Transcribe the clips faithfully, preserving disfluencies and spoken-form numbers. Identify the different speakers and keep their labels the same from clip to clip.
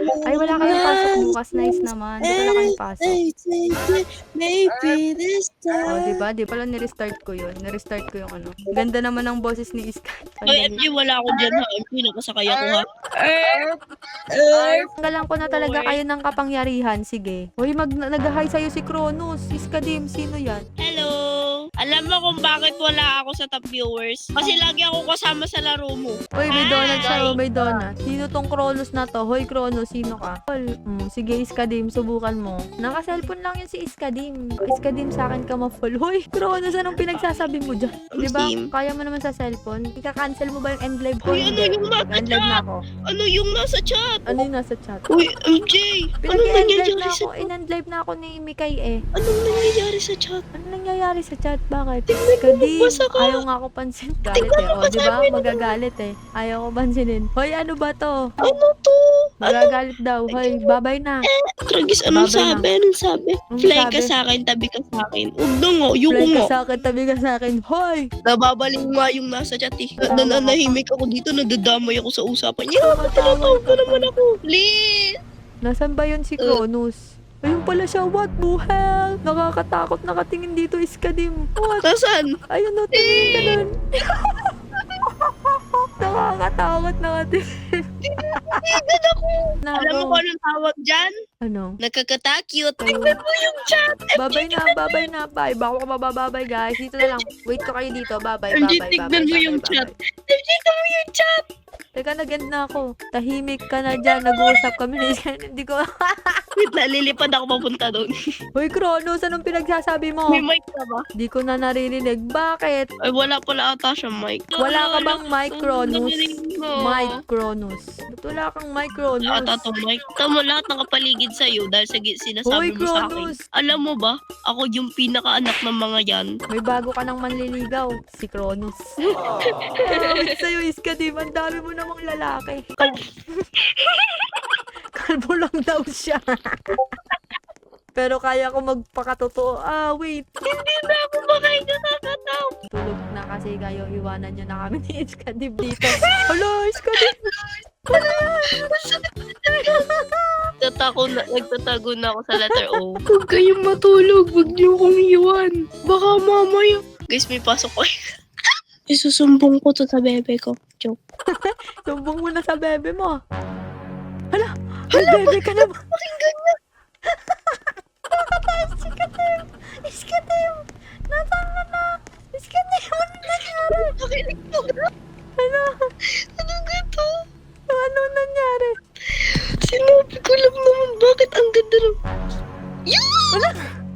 Speaker 1: Ay, wala kayong pasok bukas. Nice naman. Ba't wala kayong pasok?
Speaker 2: Maybe this
Speaker 1: Oh,
Speaker 2: time.
Speaker 1: diba? Di pala ni-restart ko yun. Ni-restart ko yung ano. Ganda naman ng boses ni Iska.
Speaker 3: Oy, M J, wala ako dyan ha. M J, nakasakay ako ha.
Speaker 1: Tanggalan ko na talaga kayo ng kapangyarihan. Sige. Uy, mag nag-hi sa'yo si Kronos. Iska Dim, sino yan?
Speaker 3: Hello! Alam mo kung bakit wala ako sa top viewers? Kasi lagi ako kasama sa laro mo.
Speaker 1: Uy, may donut siya. Oh, may donut. Sino tong Kronos na to? Hoy, Kronos, sino ka? Tol, mm, sige, Iska Dim, subukan mo. Naka-cellphone lang yun si Iska Dim. Iska Dim, sa akin ka ma-full. Hoy, Kronos, anong pinagsasabi mo dyan? Diba?
Speaker 3: Steam.
Speaker 1: Kaya mo naman sa cellphone. Ika-cancel mo ba yung end live ko?
Speaker 3: Uy, ano yung nasa
Speaker 1: End live na
Speaker 3: chat?
Speaker 1: ako.
Speaker 3: Ano yung nasa chat?
Speaker 1: Ano yung nasa chat?
Speaker 3: Uy, M J! Anong
Speaker 1: Pinag-end live
Speaker 3: nangyayari
Speaker 1: na
Speaker 3: sa
Speaker 1: ako. In-end live na ako ni Mikay eh.
Speaker 3: Anong nangyayari sa chat?
Speaker 1: Ano nangyayari sa chat? Bakit?
Speaker 3: Tingnan mo,
Speaker 1: Kadi,
Speaker 3: basa ka.
Speaker 1: ayaw nga ako pansin. Galit eh. O, di ba? Magagalit eh. Ayaw ko pansinin. Hoy, ano ba to?
Speaker 3: Ano to?
Speaker 1: Magagalit daw. Hoy, babay na.
Speaker 3: Tragis, anong
Speaker 1: Babay na.
Speaker 3: sabi? Anong sabi?
Speaker 1: Anong
Speaker 3: Fly
Speaker 1: sabi?
Speaker 3: ka sa akin, tabi ka sa akin. Huwag na nga, yung
Speaker 1: Fly ka
Speaker 3: nga.
Speaker 1: sa akin, tabi ka sa akin. Hoy!
Speaker 3: Nababaling nga yung nasa chat eh.
Speaker 1: Tama ka.
Speaker 3: Nananahimik ako dito, nadadamay ako sa usapan niya.
Speaker 1: Tumatawag
Speaker 3: Tinatawag
Speaker 1: ka
Speaker 3: ko
Speaker 1: pa.
Speaker 3: naman ako. Please!
Speaker 1: Nasaan ba yun si Cronus? Ayun pala siya. What the hell? Nakakatakot nakatingin dito, Iskadim. What?
Speaker 3: Nasaan?
Speaker 1: Ayun o, tingin ka nun. Nakakatakot nakatingin.
Speaker 3: Tignan ako. Alam mo kung anong tawag dyan?
Speaker 1: Ano?
Speaker 3: Nakakatakyot. Tignan mo yung chat.
Speaker 1: Babay na, babay na, bye. Bako ka mabababay, guys. Dito na lang. Wait ko kayo dito. Babay,
Speaker 3: M
Speaker 1: babay,
Speaker 3: J,
Speaker 1: babay.
Speaker 3: tignan mo
Speaker 1: babay,
Speaker 3: yung
Speaker 1: babay.
Speaker 3: chat. M J, tignan mo yung chat.
Speaker 1: Teka, nag-end na ako. Tahimik ka na dyan. Nag-uusap kami ni Iska. Hindi ko...
Speaker 3: Wait na, lilipad ako papunta doon.
Speaker 1: Hoy, Kronos, anong pinagsasabi mo?
Speaker 3: May mic ka ba?
Speaker 1: Di ko na naririnig. Bakit?
Speaker 3: Ay, wala pala ata siya mic.
Speaker 1: Wala ka bang mic, Kronos?
Speaker 3: Mic.
Speaker 1: Mic, Kronos. Ba't wala kang mic, Kronos?
Speaker 3: Ata to mic. Tama lahat ng kapaligid sa'yo dahil sa gi-
Speaker 1: Hoy,
Speaker 3: sinasabi mo sa akin.
Speaker 1: Kronos!
Speaker 3: Alam mo ba, ako yung pinakaanak ng mga yan.
Speaker 1: May bago ka ng manliligaw. Si Kronos. Awit sa'yo, Iska, di ba? Ang dami mo namang lalaki. Kalbo lang daw siya. Pero kaya ko magpakatotoo. Ah, wait.
Speaker 3: Hindi na ako makahinga kakataw.
Speaker 1: Tulog na kasi kayo. Iwanan nyo na kami ni Iska Dib dito. Hello, Iska Dib.
Speaker 3: Nagtatago na, nagtatago na ako sa letter O. Huwag kayong matulog. Huwag niyo akong iwan. Baka mamaya. Guys, may pasok ko. Isusumbong ko to sa bebe ko. Joke.
Speaker 1: Sumbong mo na sa bebe mo. Hala! Hala, bebe ka na ba?
Speaker 3: Pakinggan niya.
Speaker 1: Iska Dib! Iska Dib! Nasaan ka na? Iska Dib! Ano nangyari?
Speaker 3: Nakinig to.
Speaker 1: Ano?
Speaker 3: Anong gato?
Speaker 1: Ano nangyari?
Speaker 3: Sinabi ko lang naman bakit ang ganda ng... Yan!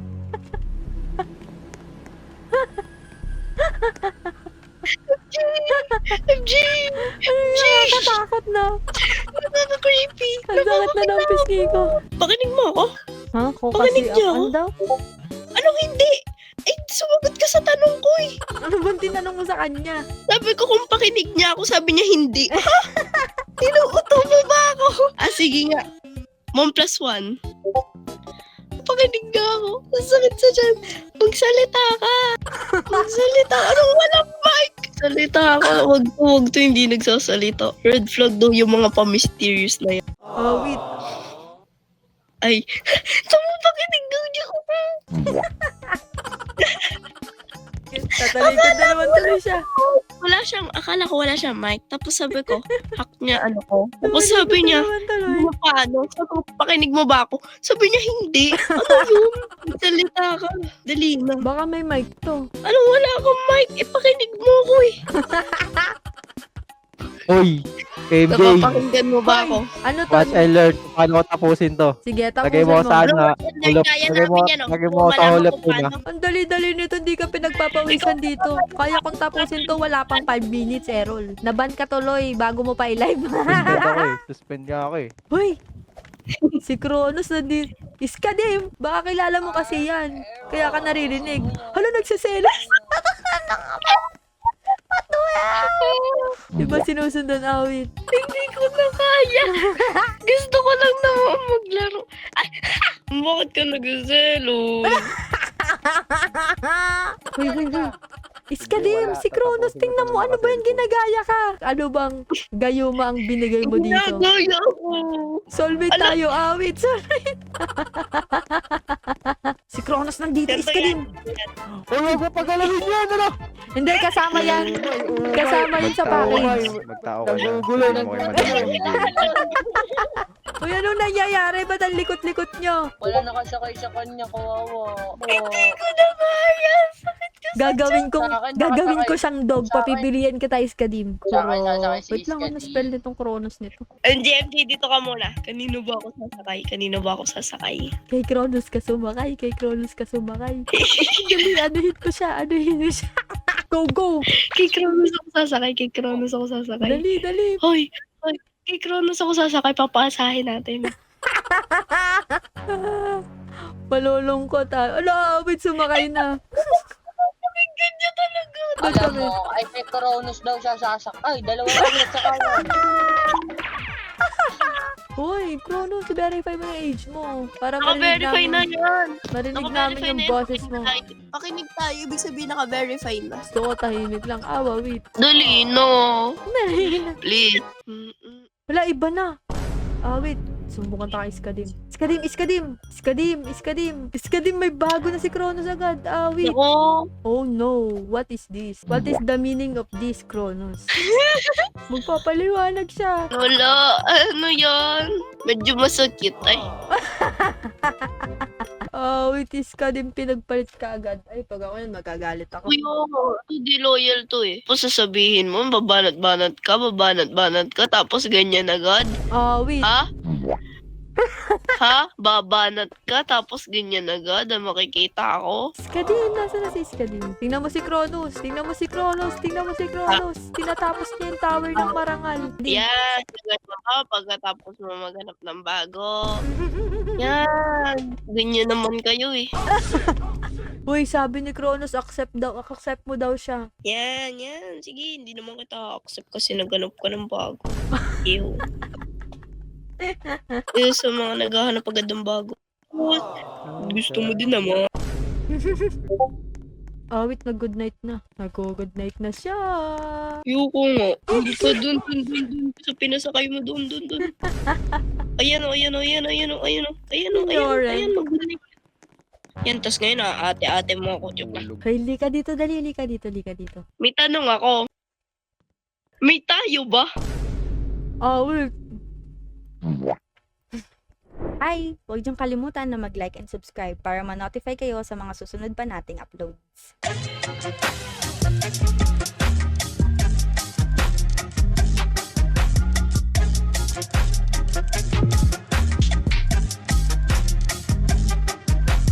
Speaker 3: M J!
Speaker 1: Ano
Speaker 3: M J!
Speaker 1: nakakatakot na?
Speaker 3: Ano na creepy?
Speaker 1: Ang sakit na ng pisngi ko.
Speaker 3: Pakinig mo ako?
Speaker 1: Ha? Kung
Speaker 3: Pakinig
Speaker 1: kasi
Speaker 3: niyo
Speaker 1: ako
Speaker 3: ako?
Speaker 1: daw?
Speaker 3: Anong hindi? Eh, sumagot ka sa tanong ko eh.
Speaker 1: Ano bang tinanong mo sa kanya?
Speaker 3: Sabi ko kung pakinig niya ako, sabi niya hindi. Ha? Tinuuto mo ba ako? Ah, sige nga. One plus one. Pakinig nga ako. Ang sakit sa dyan. Magsalita ka. Magsalita. Anong walang mic? Salita ka. Wag to, wag to. Hindi nagsasalita. Red flag daw yung mga pa-mysterious na yan.
Speaker 1: Oh, wait.
Speaker 3: Ay. Tama, pakinig daw niya ako.
Speaker 1: Tatalikod na naman tuloy siya.
Speaker 3: Wala siyang, akala ko wala siyang mic. Tapos sabi ko, hack niya ano ko. Tapos sabi niya,
Speaker 1: Naman tuloy.
Speaker 3: ano paano? Sabi ko, pakinig mo ba ako? Sabi niya, hindi. Ano yun? Salita ka. Dali na.
Speaker 1: Baka may mic to.
Speaker 3: Anong wala akong mic? Eh, pakinig mo ko eh.
Speaker 4: Uy, M J,
Speaker 3: Napapakinggan mo ba ako?
Speaker 1: Ano to?
Speaker 4: watch and learn kung paano ko tapusin to.
Speaker 1: Sige,
Speaker 4: Lagay
Speaker 1: tapusin
Speaker 4: mo
Speaker 1: mo.
Speaker 4: sa ano,
Speaker 3: Ano,
Speaker 4: hulap,
Speaker 3: kaya
Speaker 4: lagay mo,
Speaker 3: namin yan, oh.
Speaker 4: lagay mo
Speaker 3: Kung
Speaker 4: sa
Speaker 3: malaman
Speaker 4: hulap
Speaker 3: kung
Speaker 4: ko na.
Speaker 3: paano.
Speaker 1: Ang dali-dali nito, hindi ka pinagpapawisan dito. Kaya kung tapusin to, wala pang five minutes, Errol. Naban ka tuloy bago mo pa i-live.
Speaker 4: Suspend ako eh, suspend nga ako eh.
Speaker 1: Hoy! Si Kronos na din. Iska din. Baka kilala mo kasi yan. Kaya ka naririnig. Hala, nagsiselos. Diba sinusundan awit?
Speaker 3: Hindi ko na kaya. Gusto ko lang naman maglaro. Ay, bakit ka nagzelo?
Speaker 1: Hoy, hoy, hoy. Iskadim,
Speaker 4: wala.
Speaker 1: si Kronos,
Speaker 4: Tatapusin ko
Speaker 1: tingnan
Speaker 4: to
Speaker 1: mo,
Speaker 4: ng
Speaker 1: ano ba yung
Speaker 4: cellphone.
Speaker 1: ginagaya ka? Ano bang gayuma ang binigay mo dito?
Speaker 3: Ginagaya ako.
Speaker 1: Soulmate
Speaker 3: Ala.
Speaker 1: tayo, awit, soulmate. Si Kronos nandito,
Speaker 3: Ganito
Speaker 1: Iskadim.
Speaker 4: Uy, huwag mo pagalawin yan, ano?
Speaker 1: Hindi, kasama yan. Kasama yun sa package.
Speaker 4: Magtao ka na.
Speaker 2: Nagugulo,
Speaker 4: Sabihin mo kay Madam M J.
Speaker 1: Uy, anong nangyayari? Ba't ang likot-likot nyo?
Speaker 2: Wala nakasakay sa kanya, kawawa.
Speaker 3: Hindi ko na kaya. Sakit ko sa
Speaker 1: Gagawin kong,
Speaker 2: Sa akin,
Speaker 1: gagawin ko
Speaker 2: nakasakay.
Speaker 1: siyang dog.
Speaker 2: Sa akin.
Speaker 1: Papipilian kita, Iskadim.
Speaker 2: Sa akin, sasakay si
Speaker 1: Wait lang, ano
Speaker 2: Iskadim.
Speaker 1: spell nitong Kronos nito?
Speaker 3: M J, M J, dito ka muna. Kanino ba ako sasakay? Kanino ba ako sasakay?
Speaker 1: Kay Kronos ka sumakay, kay Kronos ka sumakay. Dali, anuhin ko siya, anuhin ko siya. Go, go!
Speaker 3: Kay Kronos ako sasakay. Kay Kronos ako sasakay.
Speaker 1: Dali, dali.
Speaker 3: Hoy, hoy. Kay Kronos ako sasakay. Papasahin natin.
Speaker 1: Malulungkot ah. Ala, wait, sumakay na.
Speaker 3: Pakinggan niya talaga.
Speaker 2: Alam mo, ay kay Kronos daw siya sasakay. Dalawa lang yung sakayan.
Speaker 1: Hoy, Kronos, verify mo yung age mo. Para marinig
Speaker 3: Naka-verify na
Speaker 1: namin,
Speaker 3: yan.
Speaker 1: marinig namin
Speaker 3: Naka-verify
Speaker 1: yung
Speaker 3: na yan.
Speaker 1: boses mo.
Speaker 3: Pakinig tayo. Ibig sabihin naka-verify na.
Speaker 1: Gusto ko tahimik lang. Awa, wait.
Speaker 3: Dali, no. Please. Mm-mm.
Speaker 1: Wala, iba na. Ah, wait. Sumbukan tayo Iskadim. Iskadim, Iskadim! Iskadim, Iskadim! Iskadim, may bago na si Kronos agad. Ah, wait.
Speaker 3: Ako.
Speaker 1: Oh no, what is this? What is the meaning of this, Kronos? Magpapaliwanag siya.
Speaker 3: Wala. Ano yan? Medyo masakit. Ay.
Speaker 1: Ah, wait, Iskadim, pinagpalit ka agad. Ay, pag ako yun, magagalit ako.
Speaker 3: Kuya, hindi loyal to eh. Tapos sasabihin mo, babanat-banat ka, babanat-banat ka, tapos ganyan agad.
Speaker 1: Ah, wait.
Speaker 3: Ha? Ha? Babanat ka, tapos ganyan agad, ah, makikita ako.
Speaker 1: Iskadim, nasa na si Iskadim? Tingnan mo si Kronos, tingnan mo si Kronos, tingnan mo si Kronos. Tinatapos niya yung tower ng marangal.
Speaker 3: Yan, ganyan mo ka, pagkatapos mo maghanap ng bago. Yan, ganyan naman kayo eh.
Speaker 1: Uy, sabi ni Kronos, accept daw, accept mo daw siya.
Speaker 3: Yan, yan. Sige, hindi naman kita accept kasi naghanap ka ng bago. Ew. Eh, sa mga naghahanap agad ng bago. What? Gusto mo din naman.
Speaker 1: Ah, wait, nag-good night na. Nag-good night na siya.
Speaker 3: Ayoko nga. Hindi ka dun, dun, dun, dun. Sa pinasakay mo dun, dun, dun. Ayan o, ayan o, ayan o, ayan o, ayan o, ayan o, ayan o,
Speaker 1: Lauren.
Speaker 3: ayan o, mag-good. Yan, tas ngayon ah, ate-ate mo ako. Joke lang.
Speaker 1: Hey, lika dito, dali, lika dito, lika dito.
Speaker 3: May tanong ako. May tayo ba?
Speaker 1: Ah, wait.
Speaker 5: Hi! Huwag niyong kalimutan na mag-like and subscribe para ma-notify kayo sa mga susunod pa nating uploads.